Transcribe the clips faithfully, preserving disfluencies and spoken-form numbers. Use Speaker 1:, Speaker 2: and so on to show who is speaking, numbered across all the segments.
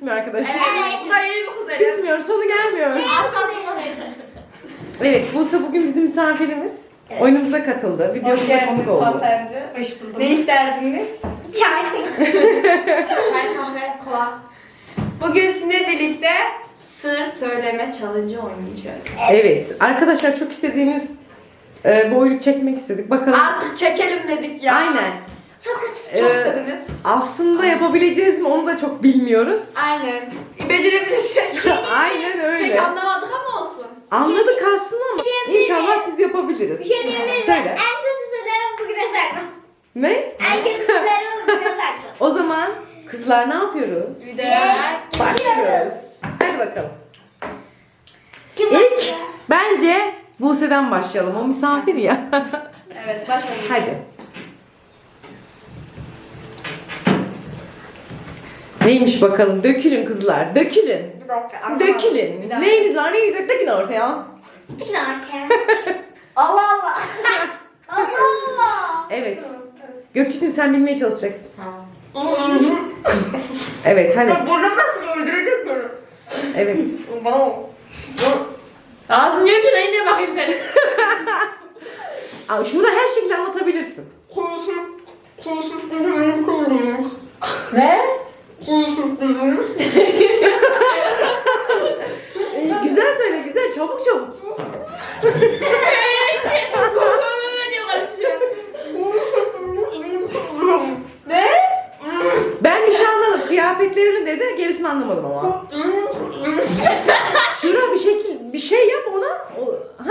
Speaker 1: bitmiyor arkadaşlar.
Speaker 2: Evet. Hayır bu üzere.
Speaker 1: Bitmiyor, sonu gelmiyor. Evet, Buse bugün bizim misafirimiz.
Speaker 3: Evet.
Speaker 1: Oyunumuza katıldı. Videomuza konuk oldu.
Speaker 3: hanımefendi.
Speaker 2: Hoş bulduk.
Speaker 3: Ne isterdiniz?
Speaker 2: Çay. Çay, kahve, kola. Bugün sizinle birlikte sır söyleme challenge oynayacağız.
Speaker 1: Evet, arkadaşlar çok istediğiniz e, bu oyunu çekmek istedik. Bakalım.
Speaker 2: Artık çekelim dedik ya.
Speaker 1: Aynen.
Speaker 2: Çok
Speaker 1: Ee,
Speaker 2: istediniz.
Speaker 1: Aslında yapabileceğiz mi onu da çok bilmiyoruz.
Speaker 2: Aynen. Becerebilirsek.
Speaker 1: Aynen öyle.
Speaker 2: Pek anlamadık ama olsun.
Speaker 1: Anladık aslında ama inşallah biz yapabiliriz.
Speaker 3: Bir şey diyebilir miyim?
Speaker 1: Söyle.
Speaker 3: En kötü sırlarımı bugüne sakla.
Speaker 1: Ne?
Speaker 3: En kötü sırlarımı bugüne sakla.
Speaker 1: O zaman kızlar ne yapıyoruz?
Speaker 2: Videoya
Speaker 1: Başlıyoruz. Hadi bakalım.
Speaker 3: Kim
Speaker 1: İlk
Speaker 3: başlıyor?
Speaker 1: bence Buse'den başlayalım. O misafir ya.
Speaker 2: Evet başlayalım.
Speaker 1: Hadi. Neymiş bakalım? Dökülün kızlar. Dökülün.
Speaker 2: Bir dakika anlamadım.
Speaker 1: Dökülün.
Speaker 2: Bir dakika.
Speaker 1: Neyiniz var? Neyiniz yok? Dökün ortaya.
Speaker 3: Kim arkaya? Allah Allah. Allah Allah.
Speaker 1: Evet. Gökçe'cim sen bilmeye çalışacaksın.
Speaker 2: Tamam.
Speaker 1: Evet hadi.
Speaker 2: Burnum nasıl öldürecek beni?
Speaker 1: Evet.
Speaker 2: Bana ağzın diyor ki neyine bakayım senin.
Speaker 1: Aa, şunu her şekilde anlatabilirsin.
Speaker 2: Konuşup konuşup konuşup ne? Konuşup
Speaker 1: Ee, güzel söyle güzel. Çabuk çabuk.
Speaker 2: Ne?
Speaker 1: Ben bir şey anladım. Kıyafetlerini dedi. Gerisini anlamadım ama. Şuna bir şekil bir şey yap ona. O, ha?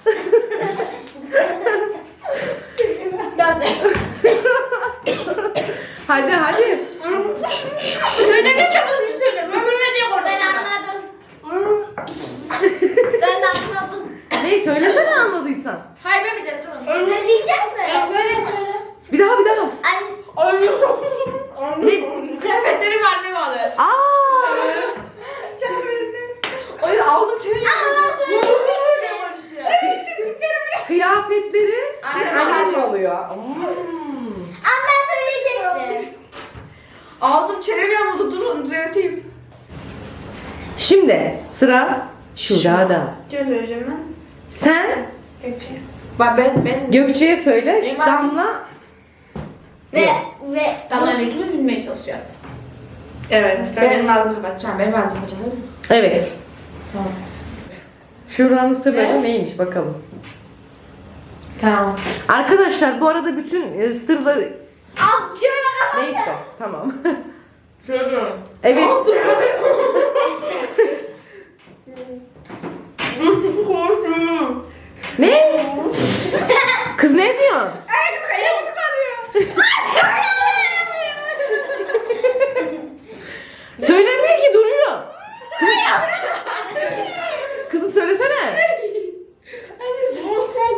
Speaker 1: Hadi hadi.
Speaker 2: Söylemeye çalışmış söyle. Böyle diye
Speaker 3: Ben
Speaker 2: konuşuyor.
Speaker 3: anladım. Ben anladım.
Speaker 1: Ne söylesene anladıysan.
Speaker 2: Hayır ben becerdim.
Speaker 3: Söyleyecek mi?
Speaker 2: Söyle söyle.
Speaker 1: Bir daha bir daha.
Speaker 3: Ay,
Speaker 1: Ne?
Speaker 2: Kıyafetlerimi anneme alır.
Speaker 1: Aa!
Speaker 2: Çok özür. Oy ağzım çeviriyor. Ne konuşuyor?
Speaker 1: Kıyafetleri
Speaker 2: Annem
Speaker 1: annem
Speaker 2: alıyor.
Speaker 1: alıyor. Hmm.
Speaker 3: ama ben söyleyecektim.
Speaker 2: Ağzım çeviriyor ama durun düzelteyim.
Speaker 1: Şimdi sıra Şura'da.
Speaker 2: Kime söyleyeceğim ben?
Speaker 1: Sen
Speaker 2: Gökçe. Bak ben ben
Speaker 1: Gökçe'ye söyle.
Speaker 2: Benim
Speaker 1: Şu
Speaker 2: var.
Speaker 1: Damla.
Speaker 3: Ve ve
Speaker 2: Damla'yla ikimiz bilmeye çalışacağız. Evet. Ben benim ağzımı kapatacağım. Benim ağzımı kapatacağım değil mi?
Speaker 1: Evet.
Speaker 2: Tamam.
Speaker 1: Şura'nın sırları
Speaker 2: Ne?
Speaker 1: neymiş bakalım.
Speaker 2: Tamam.
Speaker 1: Arkadaşlar bu arada bütün e, sırları
Speaker 3: al şöyle kapat.
Speaker 1: neyse tamam.
Speaker 2: Söylüyorum.
Speaker 1: Evet.
Speaker 2: Nasıl korktum?
Speaker 1: Ne? Kız ne diyor?
Speaker 2: Elim kayamı tutarıyor.
Speaker 1: Söylemiyor ki duruyor. Kızım söylesene.
Speaker 2: Anne sen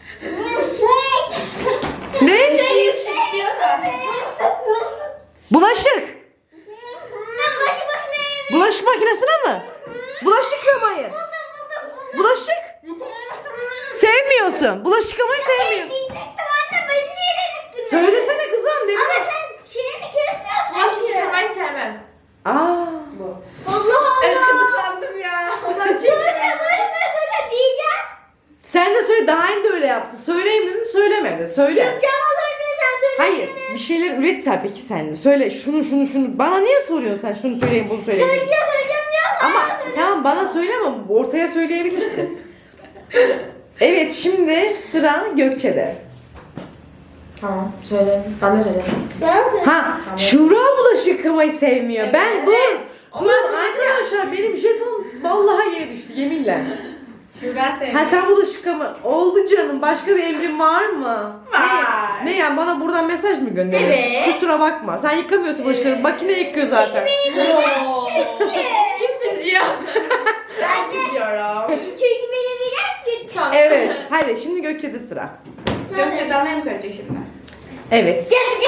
Speaker 1: Ne?
Speaker 2: diyor da.
Speaker 1: Bulaşık.
Speaker 3: Ben başı bakmayayım.
Speaker 1: Bulaşık makinesine mi? Bulaşık yıkamayı. Bulaşık. Sevmiyorsun. Bulaşık yıkamayı sevmiyorsun.
Speaker 3: Diyecektim anne beni niye dedirttin?
Speaker 1: Söylesene kızım ne
Speaker 3: Ama
Speaker 1: bileyim.
Speaker 3: sen şeyini kesmiyorsun.
Speaker 2: Bulaşık yıkamayı sevmem.
Speaker 1: Aa.
Speaker 3: Allah
Speaker 2: Evet
Speaker 3: Allah.
Speaker 2: gıdıklandım ya. Onlar çok
Speaker 3: Söyle böyle mesela diyeceğim.
Speaker 1: Sen de söyle daha önce de öyle yaptı. Söyleyeyim dedin söylemedi. Söyle.
Speaker 3: Gökçe ama söyle sen söyle.
Speaker 1: Hayır bir şeyler üret tabii ki sen de. Söyle şunu şunu şunu. Bana niye soruyorsun sen şunu söyleyeyim bunu söyleyeyim.
Speaker 3: Söyleyeceğim söyleyeceğim diyor ama.
Speaker 1: Ama tamam bana söyleme ortaya söyleyebilirsin. Evet şimdi sıra Gökçe'de.
Speaker 2: Tamam söyle. Damla söyle.
Speaker 3: Ben söyle.
Speaker 1: Ha Şura bulaşık yıkamayı sevmiyor. Ben
Speaker 2: Evet.
Speaker 1: dur.
Speaker 2: Onlar
Speaker 1: Dur
Speaker 2: söyledi ya.
Speaker 1: arkadaşlar benim jeton vallahi yere düştü yeminle.
Speaker 2: Şuradan sevmem.
Speaker 1: Ha sen bulaşık yıkama. Oldu canım başka bir emrin var mı?
Speaker 2: Var.
Speaker 1: Ne, ne yani bana buradan mesaj mı gönderiyorsun?
Speaker 2: Evet.
Speaker 1: Kusura bakma. Sen yıkamıyorsun bulaşıkları. Makine yıkıyor zaten.
Speaker 2: Yoo. Kim diziyor? Ben diziyorum.
Speaker 3: Çünkü benim bir dakika.
Speaker 1: Evet. Hadi şimdi Gökçe'de sıra.
Speaker 2: Gökçe Damla'ya mı söyleyecek şimdi?
Speaker 1: Evet.
Speaker 3: Gel gel.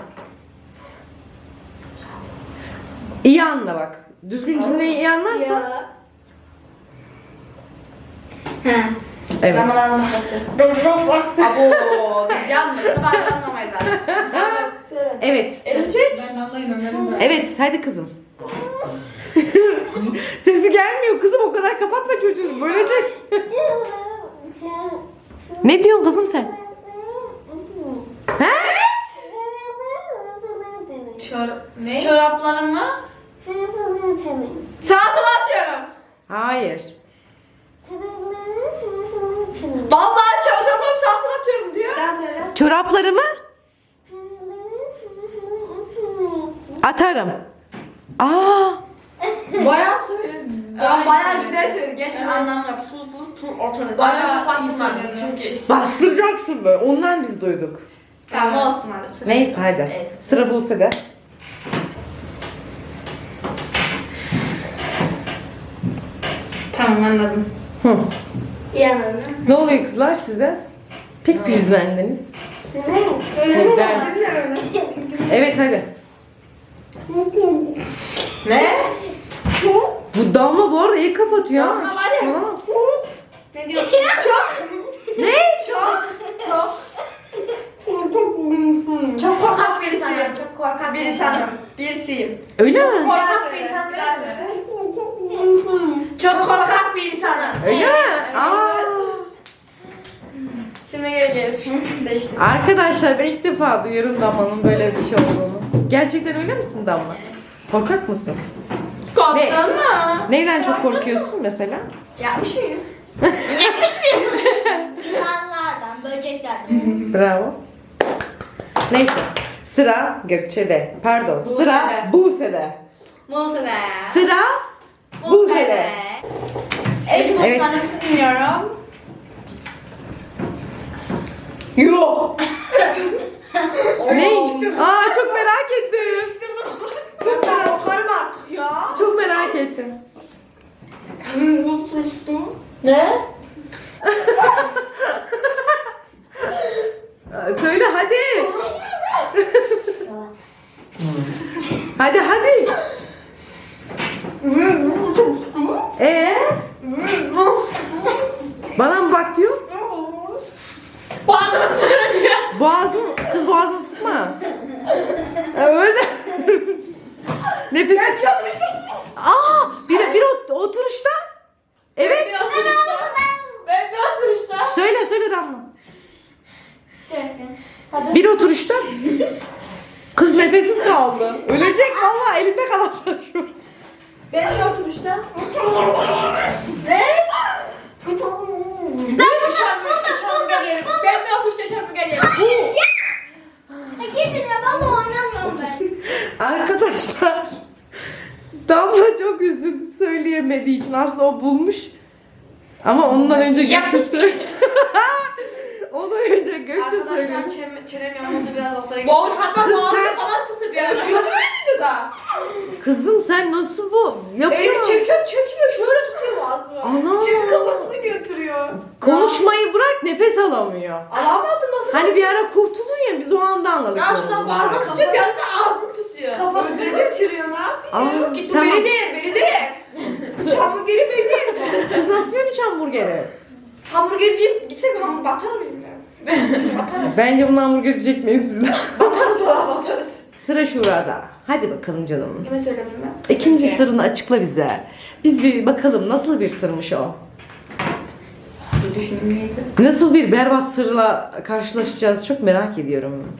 Speaker 1: İyi anla bak. Düzgün cümleyi iyi anlarsan.
Speaker 3: Ya. Ha.
Speaker 1: Evet.
Speaker 2: Damla'dan anlatacağım. Abo biz yalnız sabah anlamayız artık.
Speaker 3: Söyle.
Speaker 1: Evet.
Speaker 2: Elim çek.
Speaker 4: Ben Damla'yı Ömer'e
Speaker 1: Evet hadi kızım. Sesi gelmiyor kızım, o kadar kapatma çocuğunu, bölecek. Ne diyorsun kızım sen? He?
Speaker 2: Çor ne?
Speaker 3: Çoraplarımı
Speaker 2: Sağa sola atıyorum.
Speaker 1: Hayır.
Speaker 2: Vallahi çarşambamı sağa sola atıyorum diyor. Daha söyle.
Speaker 1: Çoraplarımı atarım. Aa,
Speaker 2: Bayağı söyledim. Ben bayağı güzel söyledim. Gerçekten anlamlı yap. Sul bu sul ortanız. Bayağı çok bastırmadım. Çünkü işte.
Speaker 1: bastıracaksın böyle. Ondan biz duyduk.
Speaker 2: Tamam olsun hadi. bu sefer
Speaker 1: Neyse
Speaker 2: olsun.
Speaker 1: hadi.
Speaker 2: Evet.
Speaker 1: Sıra Buse'de.
Speaker 2: Tamam anladım.
Speaker 1: Hı.
Speaker 3: yanına.
Speaker 1: Ne oluyor kızlar size? Pek bir yüzlendiniz. Neden? Evet hadi.
Speaker 2: Ne?
Speaker 1: Bu Damla bu arada iyi kapatıyor. ha.
Speaker 2: Damla var ya.
Speaker 1: Tamam.
Speaker 2: Ne diyorsun? Çok.
Speaker 1: Ne?
Speaker 2: Çok. Çok. Çok korkak birisiyim. Çok korkak bir insanım. Birisiyim.
Speaker 1: Öyle mi?
Speaker 2: Korkak bir insan biraz. Çok korkak bir insanım.
Speaker 1: Öyle mi? Aa.
Speaker 2: Şimdi geri gel. Değiştim.
Speaker 1: Arkadaşlar ben ilk defa duyuyorum Damla'nın böyle bir şey olduğunu. Gerçekten öyle misin Damla? Korkak mısın?
Speaker 2: Korktun mu?
Speaker 1: Neyden çok korkuyorsun mesela?
Speaker 2: Yapmış mıyım?
Speaker 3: Yılanlardan, böceklerden.
Speaker 1: Bravo. Neyse. Sıra Gökçe'de. Pardon. Sıra
Speaker 2: Buse'de.
Speaker 1: Buse'de.
Speaker 2: Muze'de.
Speaker 1: Sıra Buse'de.
Speaker 2: Evet,
Speaker 1: Evet.
Speaker 2: evet. Sizi dinliyorum.
Speaker 1: Yok. Ne? Aa çok merak ettim.
Speaker 2: Çok ben okurum artık ya.
Speaker 1: Çok merak ettim.
Speaker 2: Bu tutuştum.
Speaker 1: Ne? Söyle hadi. Hadi hadi. Ee? Bana mı bak diyor?
Speaker 2: Bağırma söylüyor.
Speaker 1: Boğazın, kız boğazını sıkma. Ya öyle. Nefes.
Speaker 2: Ben bir oturuşta.
Speaker 1: Aa, bir, bir ot- oturuşta. Evet.
Speaker 2: Ben bir oturuşta. Ben bir oturuşta.
Speaker 1: Söyle söyle Damla. Bir oturuşta. Kız nefessiz kaldı. Ölecek vallahi, elinde kalacak şu.
Speaker 2: Ben bir oturuşta. Ne? Ben bir hamburger yerim. Ben bir oturuşta hamburger yerim.
Speaker 3: Gidin ya, valla oynamıyorum ben.
Speaker 1: Arkadaşlar, Damla çok üzüldü söyleyemediği için. Aslında o bulmuş. Ama ondan önce Gökçe söyledi. Ondan önce Gökçe
Speaker 2: Arkadaşlar
Speaker 1: söyledi.
Speaker 2: çenem, çenem yanıldı biraz ortaya gitti. Boğaz hatta boğazı falan sıktı bir ara. Kötü müydü da?
Speaker 1: Kızım sen nasıl bu?
Speaker 2: Elimi
Speaker 1: Yapıyor.
Speaker 2: çekiyorum çekmiyor şöyle tutuyor boğazımı.
Speaker 1: Ana.
Speaker 2: Şimdi kafasını götürüyor.
Speaker 1: Konuşmayı bırak, nefes alamıyor.
Speaker 2: Alamadım nasıl?
Speaker 1: Hani bir ara kurtuldun ya, biz o anda anladık.
Speaker 2: Ya
Speaker 1: onu.
Speaker 2: şuradan boğazını tutuyor bir anda da ağzını tutuyor. Kafasını götürüyor ne yapıyor?
Speaker 1: Aa,
Speaker 2: Git
Speaker 1: tamam.
Speaker 2: bu beni değil beni değil. Hamburgeri benim.
Speaker 1: Kız nasıl yiyor hiç hamburgeri?
Speaker 2: Hamburgerciyim gitsek hamburger batar mıyım ben? Batarız.
Speaker 1: Bence bunu hamburger çekmeyiz sizden.
Speaker 2: Batarız valla batarız.
Speaker 1: Sıra Şura'da. Hadi bakalım canım.
Speaker 2: Kime söyledim ben?
Speaker 1: İkinci
Speaker 2: Peki.
Speaker 1: sırrını açıkla bize. Biz bir bakalım nasıl bir sırmış o?
Speaker 2: Bir düşüneyim neydi?
Speaker 1: Nasıl bir berbat sırla karşılaşacağız çok merak ediyorum.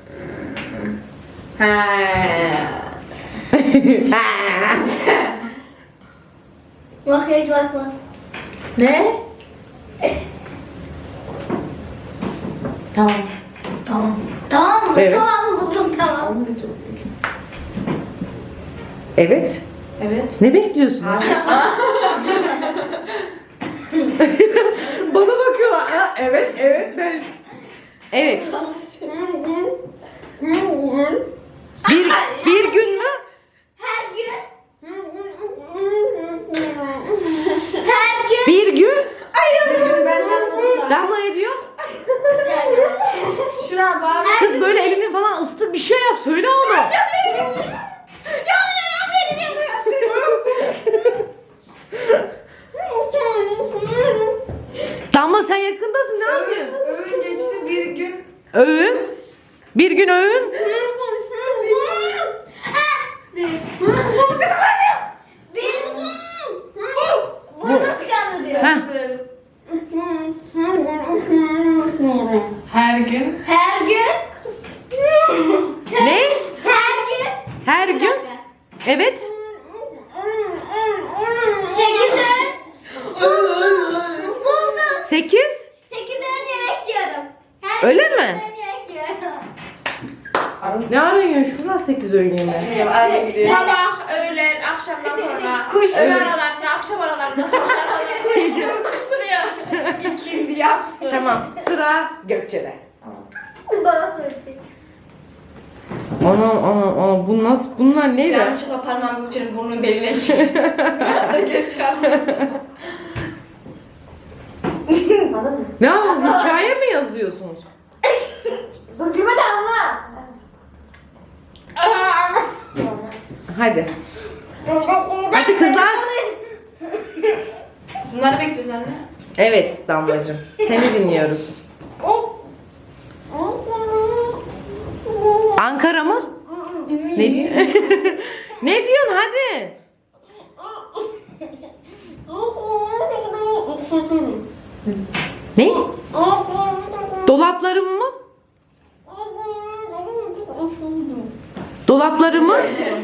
Speaker 2: He.
Speaker 3: Makyaj bakmaz.
Speaker 2: Ne? Tamam.
Speaker 3: Tamam. Tamam mı?
Speaker 1: Evet.
Speaker 3: Tamam buldum, tamam.
Speaker 1: Evet.
Speaker 2: Evet.
Speaker 1: Ne bekliyorsun? Bana bakıyorlar. Ha, evet, evet ben. Evet. Bir, bir gün mü?
Speaker 3: Her gün. Her gün.
Speaker 1: Bir gün.
Speaker 2: Benden buldular.
Speaker 1: Damla ne diyor?
Speaker 2: Şuna bak.
Speaker 1: Kız böyle elini falan ısıtır bir şey yap. Söyle onu. Damla sen yakındasın, ne yapıyorsun?
Speaker 2: Öğün geçti bir gün.
Speaker 1: Öğün. Bir gün öğün. Öyle mi? Ne arıyorsun? Şuradan sekiz öğün yemeği.
Speaker 2: Sabah, öğlen, akşamdan sonra, öğle aralarında, akşam aralarında, sabah aralarında kuşları sıkıştırıyor. İkindi yatsı.
Speaker 1: Tamam. Sıra Gökçe'de. Ana ana ana bu nasıl bunlar ne be?
Speaker 2: Yanlışlıkla parmağım Gökçe'nin burnunun deliğine girdi. Geri çıkarmadım.
Speaker 1: Ne yapalım? Hikaye mi yazıyorsunuz?
Speaker 3: Dur gülme de ama.
Speaker 1: Hadi. Hadi kızlar.
Speaker 2: Biz bunları bekliyoruz anne.
Speaker 1: Evet Damlacığım. Seni dinliyoruz. Ankara mı? Ne diyor? Ne diyorsun hadi? Ne? Dolaplarım mı? Dolaplarımı?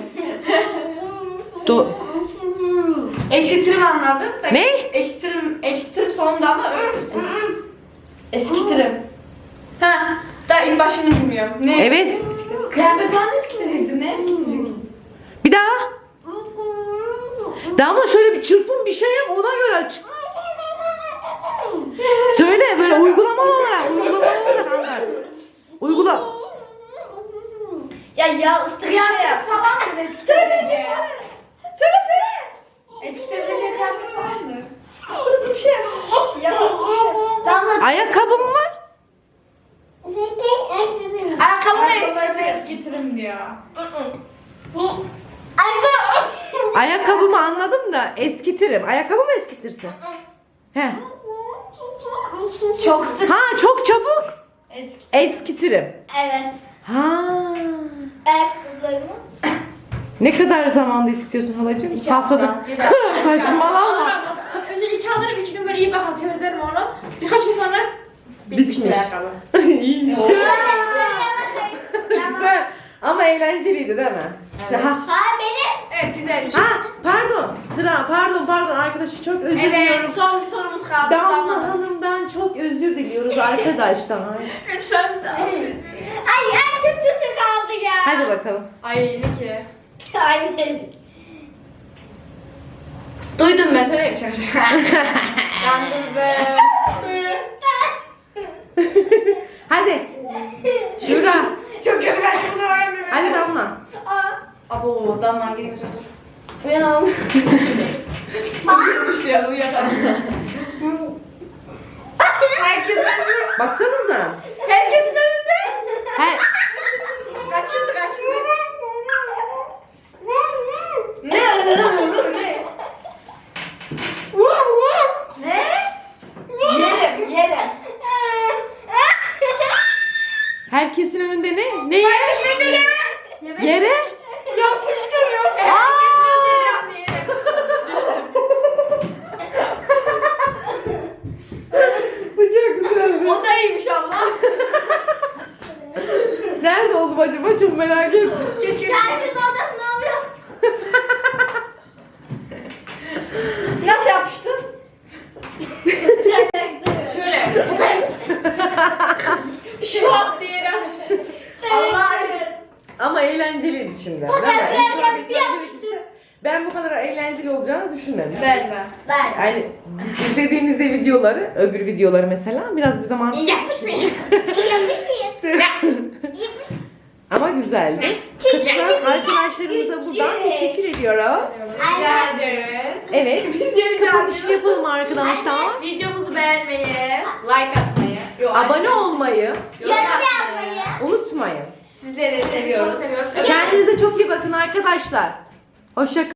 Speaker 1: Do
Speaker 2: Ekstrem anladım da.
Speaker 1: Ne?
Speaker 2: Ekstrem, ekstrem sonunda ama ölmüşsün. Eskitirim. Ha, daha ilk başını bilmiyorum. Ne
Speaker 1: Evet.
Speaker 2: eskitirim? Kıyafet falan eskitirecektim. Ne eskitirecektim?
Speaker 1: Bir daha. Damla şöyle bir çırpın bir şey yap ona göre aç. Söyle böyle uygulamalı olarak uygulamalı olarak anlat. Uygula.
Speaker 3: Ya ya ıslık şey yap.
Speaker 2: Kıyafet falan mı eskitirecek? Söyle söyle. Eskitebilecek kıyafet falan mı? Istırsın bir şey yap. Yaparsın bir şey.
Speaker 3: Damla.
Speaker 1: Ayakkabım mı?
Speaker 2: Ayakkabımı eskitirim. Eskitirim diyor.
Speaker 1: Ayakkabımı anladım da eskitirim. Ayakkabı mı eskitirsin? He.
Speaker 3: Çok sık.
Speaker 1: Ha çok çabuk.
Speaker 2: Eski.
Speaker 1: Eskitirim.
Speaker 3: Evet.
Speaker 1: Ha.
Speaker 3: Ayakkabılarımı.
Speaker 1: Ne kadar zamanda istiyorsun halacığım?
Speaker 2: İki hafta.
Speaker 1: Haftada.
Speaker 2: Bir hafta.
Speaker 1: Saçmalama.
Speaker 2: Önce iki alırım, iki gün böyle iyi bakalım, temizlerim onu. Birkaç gün sonra bitmiş
Speaker 1: Bitmiş.
Speaker 2: ayakkabı.
Speaker 1: İyiymiş. Güzel. Ama eğlenceliydi değil mi? İşte ha.
Speaker 3: Hayır benim.
Speaker 2: Evet, güzel.
Speaker 1: Ha, pardon. Sıra, pardon, pardon. Arkadaşı çok özür
Speaker 2: Evet,
Speaker 1: diliyorum.
Speaker 2: son bir sorumuz kaldı.
Speaker 1: Damla Hanım'dan çok özür diliyoruz arkadaşlar.
Speaker 2: Lütfen bize affedin.
Speaker 3: Ay en kötüsü kaldı ya.
Speaker 1: Hadi bakalım.
Speaker 2: Ay yine ki.
Speaker 3: Aynen.
Speaker 2: Duydum ben, söyleyeyim şaka şaka. Yandım be.
Speaker 1: Hadi. Şura.
Speaker 2: Çok kötü, ben bunu öğrenmiyorum.
Speaker 1: Hadi Damla.
Speaker 3: Aa.
Speaker 2: Abo, damlar gidiyor, dur. Uyanalım. Uyumuş bir an, uyanalım. Herkes
Speaker 1: Baksanıza.
Speaker 2: Herkesin önünde.
Speaker 1: Her...
Speaker 2: Kaçıldı, kaçıldı. Ne? Ne? Ne? Yerim, yerim.
Speaker 1: Herkesin önünde ne? Ne yere?
Speaker 2: Herkesin önünde ne?
Speaker 1: Yere?
Speaker 2: Yapıştır, yok.
Speaker 1: Bu çok güzel.
Speaker 2: O da iyiymiş abla.
Speaker 1: Nerede oldum acaba? Çok merak ettim.
Speaker 2: Keşke
Speaker 3: Çarşının odasında oluyor.
Speaker 2: nasıl yapıştın? Şöyle. Şok diye yapışmış. Allah
Speaker 1: Ama eğlenceliydi şimdi. Değil mi?
Speaker 3: biraz
Speaker 1: İnsan
Speaker 3: bir
Speaker 1: bir gerekirse- Ben bu kadar eğlenceli olacağını düşünmemiştim.
Speaker 2: Ben de.
Speaker 3: Ben.
Speaker 1: Yani biz izlediğimizde videoları, öbür videoları mesela biraz bir zaman
Speaker 2: İyi yapmış mıyım?
Speaker 3: Yapmış mıyım?
Speaker 1: ama güzeldi. Katılan arkadaşlarımıza buradan teşekkür ediyoruz.
Speaker 2: Rica ederiz.
Speaker 1: Evet, biz yeni kapanışı yapalım arkadaşlar.
Speaker 2: Videomuzu beğenmeyi, like atmayı, yo,
Speaker 1: Abone olmayı
Speaker 2: yorum
Speaker 3: Yorum
Speaker 2: atmayı.
Speaker 3: yapmayı.
Speaker 1: unutmayın.
Speaker 2: Sizleri seviyoruz.
Speaker 1: Kendinize çok iyi bakın arkadaşlar. Hoşça